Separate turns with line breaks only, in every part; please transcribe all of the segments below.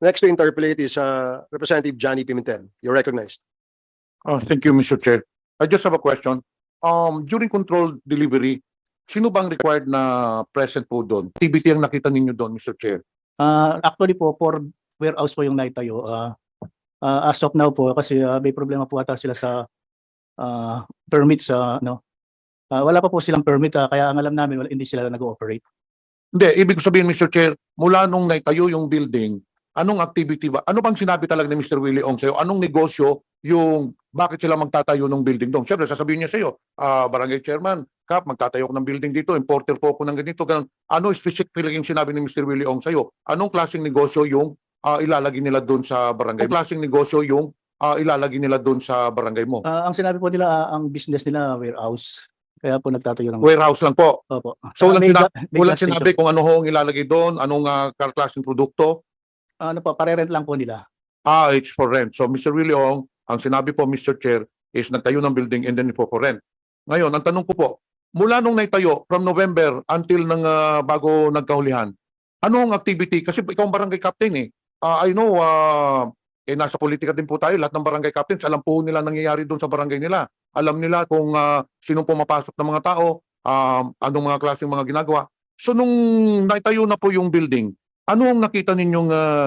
Next to interpolate is Representative Johnny Pimentel. You're recognized.
Thank you, Mr. Chair. I just have a question. During controlled delivery, sino bang required na present po doon? Activity ang nakita ninyo doon, Mr. Chair?
Actually po, for warehouse po yung naitayo. As of now po, kasi may problema po ata sila sa permits. Wala pa po silang permit, kaya ang alam namin, hindi sila nag-ooperate.
Hindi, ibig sabihin, Mr. Chair, mula nung naitayo yung building, anong activity ba? Ano bang sinabi talaga ni Mr. Willie Ong sa'yo? Anong negosyo yung bakit sila magtatayo ng building doon? Siyempre, sasabihin niya sa'yo, Barangay Chairman, Kap, magtatayo ko ng building dito, importer po ako ng ganito, ganun. Ano specifically yung sinabi ni Mr. Willie Ong sa'yo? Anong klaseng negosyo yung ilalagay nila doon sa barangay? Anong klaseng negosyo yung ilalagay nila doon sa barangay mo?
Ang sinabi po nila, ang business nila, warehouse. Kaya po nagtatayo ng...
Warehouse lang po.
Opo.
So, walang
gas
sinabi
station.
kung ano ho ang ilalagay doon, anong klaseng produkto?
Ano po, pare-rent lang po nila.
It's for rent. So, Mr. Willie Ong, ang sinabi po, Mr. Chair, is nagtayo ng building and then po for rent. Ngayon, ang tanong ko po, mula nung naitayo, from November until bago nagkahulihan, ano ang activity? Kasi ikaw ang barangay captain eh. I know, nasa politika din po tayo, lahat ng barangay captains, alam po nila nangyayari doon sa barangay nila. Alam nila kung sinong pumapasok ng mga tao, anong mga klaseng mga ginagawa. So, nung naitayo na po yung building, ano ang nakita ninyong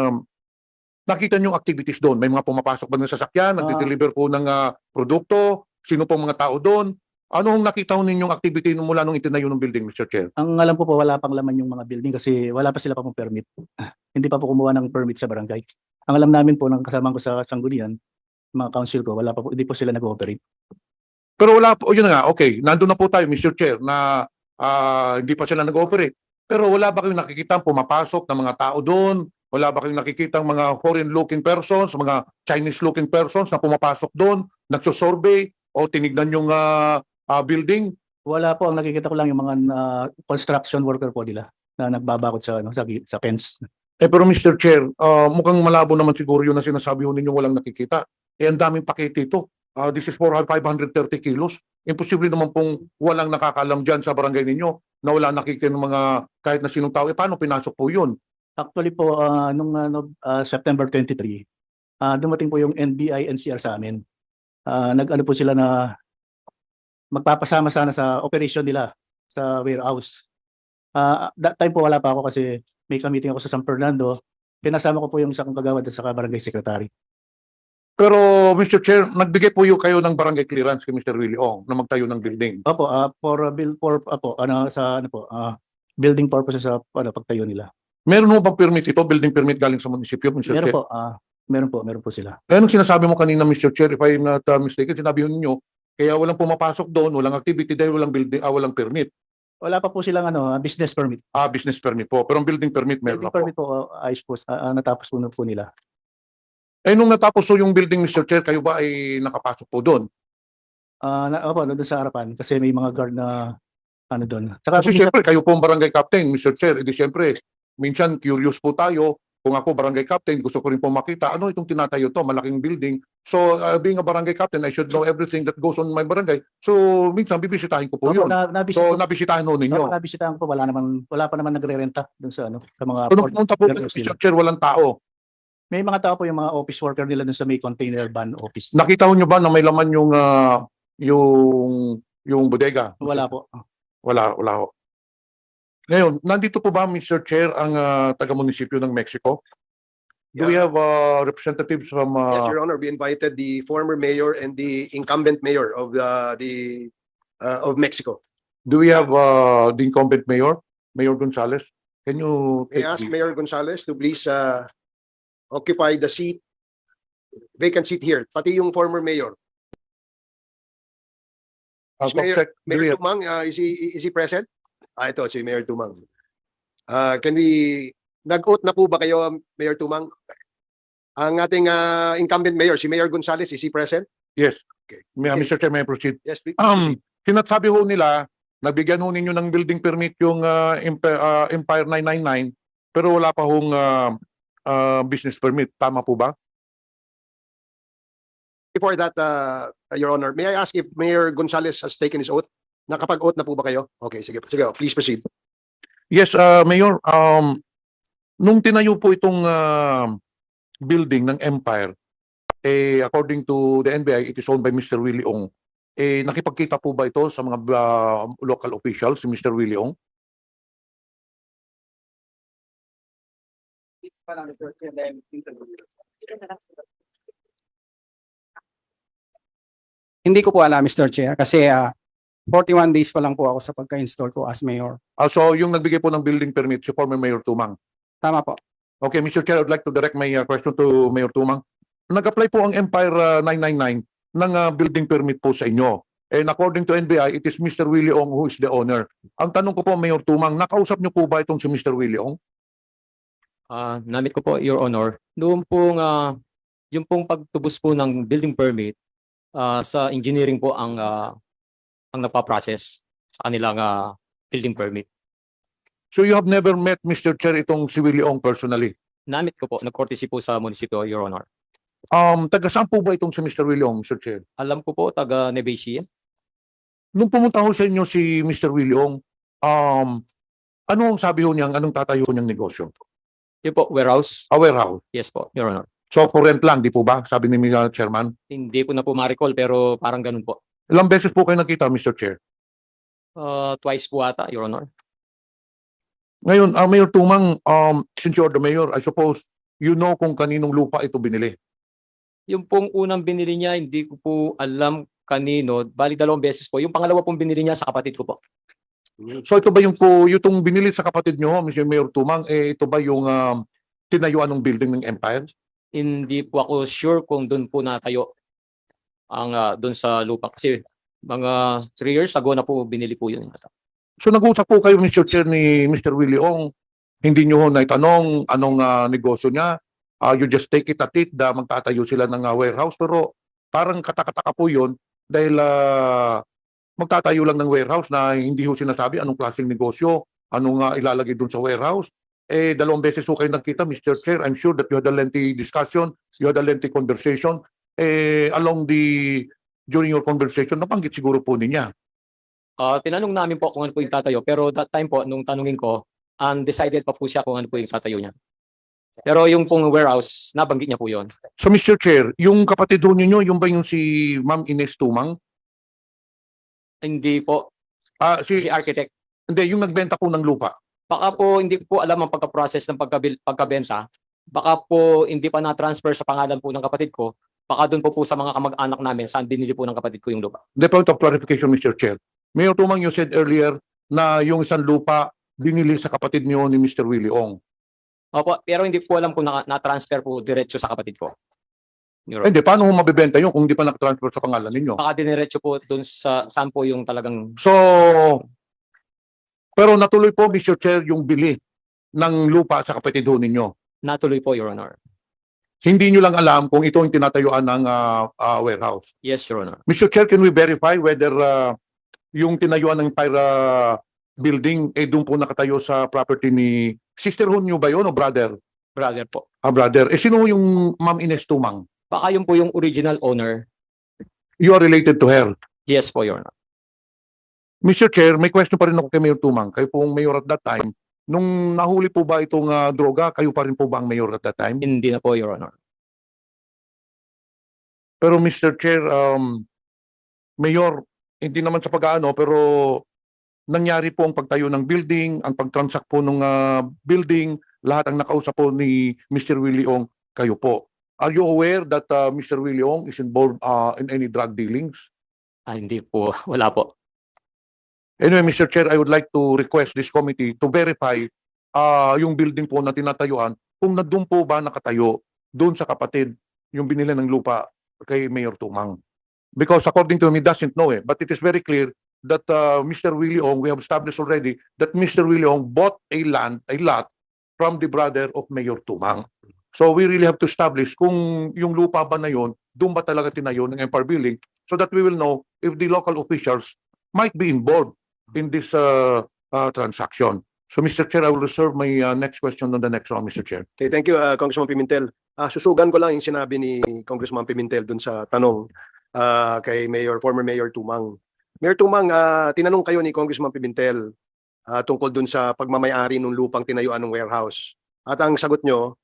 activities doon? May mga pumapasok ba ng sasakyan, nagde-deliver po ng produkto, sino pong mga tao doon? Ano ang nakita ninyong activity mula nung itinayo ng building, Mr. Chair?
Ang alam ko po, wala pang laman yung mga building kasi wala pa sila pa pong permit. Hindi pa po kumuha ng permit sa barangay. Ang alam namin po, ng kasama ko sa Sanggunian, mga council ko, wala pa po, hindi po sila nag-ooperate.
Pero wala po, yun na nga, okay, nandun na po tayo, Mr. Chair, na hindi pa sila nag-ooperate. Pero wala ba kayong nakikita pumapasok ng mga tao doon? Wala ba kayong nakikita mga foreign-looking persons, mga Chinese-looking persons na pumapasok doon, nagsusurvey o tinignan yung building?
Wala po, ang nakikita ko lang yung mga construction worker po nila na nagbabakot sa fence.
Pero Mr. Chair, mukhang malabo naman siguro yun na sinasabi ninyo walang nakikita. Ang daming pakete ito. This is 530 kilos. Imposible naman pong walang nakakalam dyan sa barangay ninyo na wala nakikita ng mga kahit na sinong tao. Paano pinasok po yun?
Actually po, nung September 23, dumating po yung NBI NCR sa amin. Nag-ano po sila na magpapasama sana sa operation nila sa warehouse. That time po wala pa ako kasi may meeting ako sa San Fernando. Pinasama ko po yung isang kagawad at saka barangay secretary.
Pero Mr. Chair, nagbigay po kayo ng barangay clearance kay Mr. Willie Ong na magtayo ng building.
Opo, building purposes sa pagtayo nila.
Meron mo bang permit ito, building permit galing sa munisipyo, Mr. Chair?
Meron po sila.
Anong sinasabi mo kanina, Mr. Chair, if I'm not mistaken, sinabi niyo kaya walang pumapasok doon, walang activity dahil walang building, walang permit.
Wala pa po silang business permit.
Business permit po. Pero ang building permit meron
Building
na po.
permit po, ayos po, natapos po nila.
Nung natapos po yung building, Mr. Chair, kayo ba ay nakapasok po doon?
Opo, doon sa harapan kasi may mga guard na doon.
Kasi siyempre, kayo po ang barangay captain, Mr. Chair. Edi siyempre, minsan curious po tayo. Kung ako barangay captain, gusto ko rin po makita, ano itong tinatayo to, malaking building. So, being a barangay captain, I should know everything that goes on my barangay. So, minsan, bibisitahin ko po yun. So, nabisitahin ho ninyo.
Nabisitahan ko, wala pa naman nagre-renta doon sa sa mga...
So, nung pumunta po, Mr. Chair, walang tao.
May mga tao po yung mga office worker nila dun sa may container van office.
Nakita nyo ba na may laman yung bodega?
Wala po.
Wala ho. Ngayon, nandito po ba, Mr. Chair, ang taga-munisipyo ng Mexico? Do we have representatives from...
Yes, Your Honor, we invited the former mayor and the incumbent mayor of of Mexico.
Do we have the incumbent mayor, Mayor Gonzales? Can you...
I ask Mayor Gonzales to please occupy the vacant seat here. Pati yung former mayor. Mayor Tumang, is he present? Ito, si Mayor Tumang. Nag-oath na po ba kayo, Mayor Tumang? Ang ating incumbent mayor, si Mayor Gonzales, is he present?
Yes.
Okay.
Mr. Chair, may I proceed?
Yes, please proceed.
Sinasabi ho nila, nabigyan ho ninyo ng building permit yung Empire 999, pero wala pa hong business permit. Tama po ba?
Before that, Your Honor, may I ask if Mayor Gonzales has taken his oath? Nakapag-oath na po ba kayo? Okay, sige. Sige, please proceed.
Yes, Mayor. Nung tinayo po itong building ng Empire, according to the NBI, it is owned by Mr. Willie Ong. Nakipagkita po ba ito sa mga local officials, si Mr. Willie Ong?
Hindi ko po alam, Mr. Chair, kasi 41 days pa lang po ako sa pagka-install ko as mayor.
So yung nagbigay po ng building permit, si former Mayor Tumang.
Tama po.
Okay, Mr. Chair, I would like to direct my question to Mayor Tumang. Nag-apply po ang Empire 999 ng building permit po sa inyo. And according to NBI, it is Mr. Willie Ong who is the owner. Ang tanong ko po, Mayor Tumang, nakausap niyo po ba itong si Mr. Willie Ong?
Namit ko po, Your Honor. Noong pong, yung pong pagtubos po ng building permit, sa engineering po ang nagpa-process sa kanilang building permit.
So you have never met Mr. Chair itong si Willie Ong personally?
Namit ko po, nag-courtesy po sa munisipyo, Your Honor.
Taga saan po ba itong si Mr. Willie Ong, Mr. Chair?
Alam ko po, taga Nevesia.
Nung pumunta ho sa inyo si Mr. Willie Ong, ano ang sabi ho niyang, anong tatayo niyang negosyo?
Yun po, warehouse.
A warehouse.
Yes po, Your Honor.
So for rent lang, di po ba? Sabi ni Chairman.
Hindi ko na po ma-recall pero parang ganun po.
Ilang beses po kayo nakita, Mr. Chair?
Twice po ata, Your Honor.
Ngayon, Mayor Tumang, since you're the mayor, I suppose, you know kung kaninong lupa ito binili.
Yung pong unang binili niya, hindi ko po alam kanino. Bali 2 beses po. Yung pangalawa pong binili niya sa kapatid ko po.
So ito ba yung itong binili sa kapatid nyo, Mr. Mayor Tumang, ito ba yung tinayuan ng building ng Empire?
Hindi po ako sure kung doon po natayo ang doon sa lupa. Kasi mga 3 years ago na po binili po yun.
So nag-usap po kayo, Mr. Chair, ni Mr. Willie Ong, hindi nyo ho naitanong anong negosyo niya. You just take it at it na magtatayo sila ng warehouse. Pero parang katakataka po yun dahil magtatayo lang ng warehouse na hindi ho sinasabi anong klaseng negosyo, anong ilalagay dun sa warehouse. 2 beses ho kayo nakita, Mr. Chair. I'm sure that you had a lengthy discussion, you had a lengthy conversation. During your conversation, nabanggit siguro po niya.
Tinanong namin po kung ano po yung tatayo. Pero that time po, nung tanungin ko, undecided pa po siya kung ano po yung tatayo niya. Pero yung pong warehouse, nabanggit niya po yun.
So Mr. Chair, yung kapatid ho ninyo, yung ba yung si Ma'am Ines Tumang?
Hindi po.
Si
Si architect.
Hindi, yung nagbenta po ng lupa.
Baka po hindi ko po alam ang pagka-process ng pagkabenta. Baka po hindi pa na-transfer sa pangalan po ng kapatid ko. Baka doon po sa mga kamag-anak namin saan binili po ng kapatid ko yung lupa.
The point of clarification, Mr. Chair. Mayor Tumang, you said earlier na yung isang lupa binili sa kapatid niyo ni Mr. Willie Ong.
Opo, pero hindi ko alam kung na-transfer po diretso sa kapatid ko.
Hindi, paano ho mabibenta yun kung hindi pa nakatransfer sa pangalan ninyo?
Baka diniretso po doon sa saan po yung talagang
So, pero natuloy po, Mr. Chair, yung bili ng lupa sa kapatid ho ninyo.
natuloy po, Your Honor.
Hindi nyo lang alam kung ito yung tinatayuan ng warehouse.
Yes, Your Honor.
Mr. Chair, can we verify whether yung tinayuan ng Empire building doon po nakatayo sa property ni sisterhood nyo ba yun o brother?
Brother po.
Brother. Sino yung Ma'am Ines Tumang?
Baka yun po yung original owner.
You are related to her.
Yes po, Your Honor.
Mr. Chair, may question pa rin ako kay Mayor Tumang. Kayo pong mayor at that time. Nung nahuli po ba itong droga, kayo pa rin po ba ang mayor at that time?
Hindi na po, Your Honor.
Pero Mr. Chair, Mayor, hindi naman sa pag-aano, pero nangyari po ang pagtayo ng building, ang pag-transact po ng building, lahat ang nakausap po ni Mr. Willie Ong, kayo po. Are you aware that Mr. Willie Ong is involved in any drug dealings?
Hindi po. Wala po.
Anyway, Mr. Chair, I would like to request this committee to verify yung building po na tinatayuan kung na doon po ba nakatayo doon sa kapatid yung binili ng lupa kay Mayor Tumang. Because according to him, he doesn't know but it is very clear that Mr. Willie Ong, we have established already that Mr. Willie Ong bought a lot from the brother of Mayor Tumang. So we really have to establish kung yung lupa ba na yun, doon ba talaga tinayo ng Empire Building so that we will know if the local officials might be involved in this transaction. So Mr. Chair, I will reserve my next question on the next round, Mr. Chair.
Okay, thank you, Congressman Pimentel. Susugan ko lang yung sinabi ni Congressman Pimentel dun sa tanong kay former Mayor Tumang. Mayor Tumang, tinanong kayo ni Congressman Pimentel tungkol dun sa pagmamayari ng lupang tinayuan ng warehouse. At ang sagot nyo,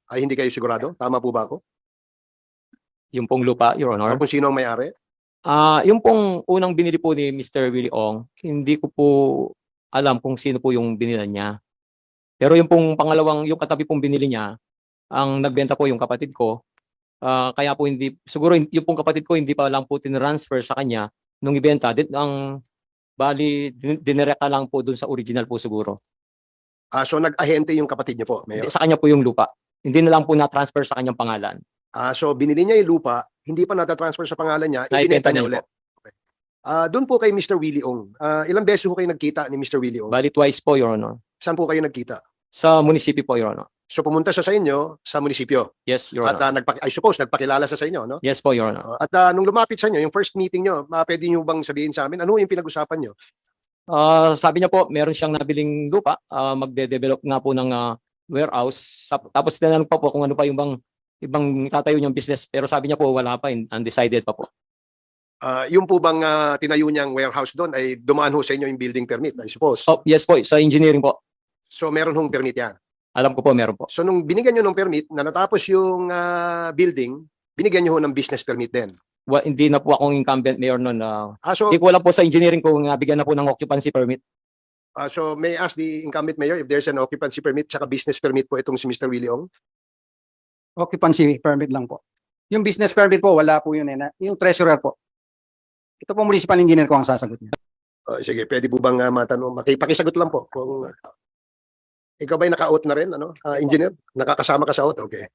Ay hindi kayo sigurado? Tama po ba ako?
Yung pong lupa, Your Honor.
Kung sino ang may-ari?
Yung pong unang binili po ni Mr. Willie Ong, hindi ko po alam kung sino po yung binili niya. Pero yung pong pangalawang, yung katabi pong binili niya, ang nagbenta po yung kapatid ko. Kaya po hindi, siguro yung pong kapatid ko hindi pa lang po tinransfer sa kanya nung ibenta. Bali, dinirekta lang po dun sa original po siguro.
So nag-ahente yung kapatid niyo po, Mayor?
Sa kanya po yung lupa. Hindi na lang po na-transfer sa kanyang pangalan.
So binili niya yung lupa, hindi pa nata-transfer sa pangalan niya, ibinenta
Naibenta
niya
niya
ulit. Okay. Doon po kay Mr. Willie Ong. Ilang beses po kayo nagkita ni Mr. Willie Ong?
Bali, twice po, Your Honor.
Saan po kayo nagkita?
Sa munisipyo po, Your Honor.
So pumunta siya sa inyo sa munisipyo.
Yes, Your
At
Honor.
I suppose nagpakilala siya sa inyo, no?
Yes po, Your Honor.
At nung lumapit sa inyo, yung first meeting nyo, pwede nyo bang sabihin sa amin, ano yung pinag-usapan nyo?
Sabi niya po, meron siyang nabiling lupa, magde-develop nga po ng warehouse. Tapos tinanong pa po kung ano pa yung ibang tatayo niyang business. Pero sabi niya po, wala pa, undecided pa po.
Yung po bang tinayo niyang warehouse doon ay dumaan ho sa inyo yung building permit, I suppose.
Oh, yes po, sa engineering po.
So meron hong permit yan.
Alam ko po, meron po.
So nung binigyan nyo ng permit, na natapos yung building, binigyan nyo ho ng business permit din.
Hindi na po akong incumbent mayor noon.
So,
Hindi ko alam po sa engineering kung bigyan na po ng occupancy permit.
so may I ask the incumbent mayor if there's an occupancy permit tsaka business permit po itong si Mr. Willie Ong?
Occupancy permit lang po. Yung business permit po, wala po yun yung treasurer po. Ito po municipal engineer ko ang sasagot niya.
Sige, pwede po bang matanong? Makipakisagot lang po. Kung ikaw ba'y naka-out na rin, engineer? Nakakasama ka sa out? Okay.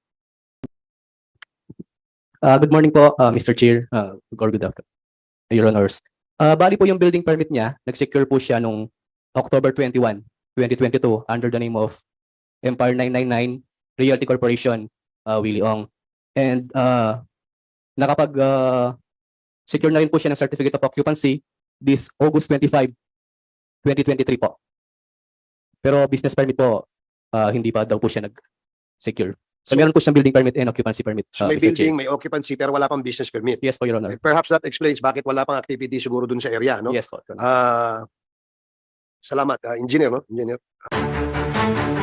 Good morning po, Mr. Chair, or good afternoon, Your Honors. Bali po yung building permit niya, nag-secure po siya nung October 21, 2022 under the name of Empire 999 Realty Corporation, Willie Ong. And secure na rin po siya ng Certificate of Occupancy this August 25, 2023 po. Pero business permit po, hindi pa daw po siya nag-secure. So meron po siyang building permit and occupancy permit.
So may
Mr. Chair.
building, may occupancy, pero wala pang business permit.
Yes po, Your Honor.
Perhaps that explains bakit wala pang activity siguro dun sa area, no?
Yes po, Your Honor.
Salamat, engineer, no? Engineer.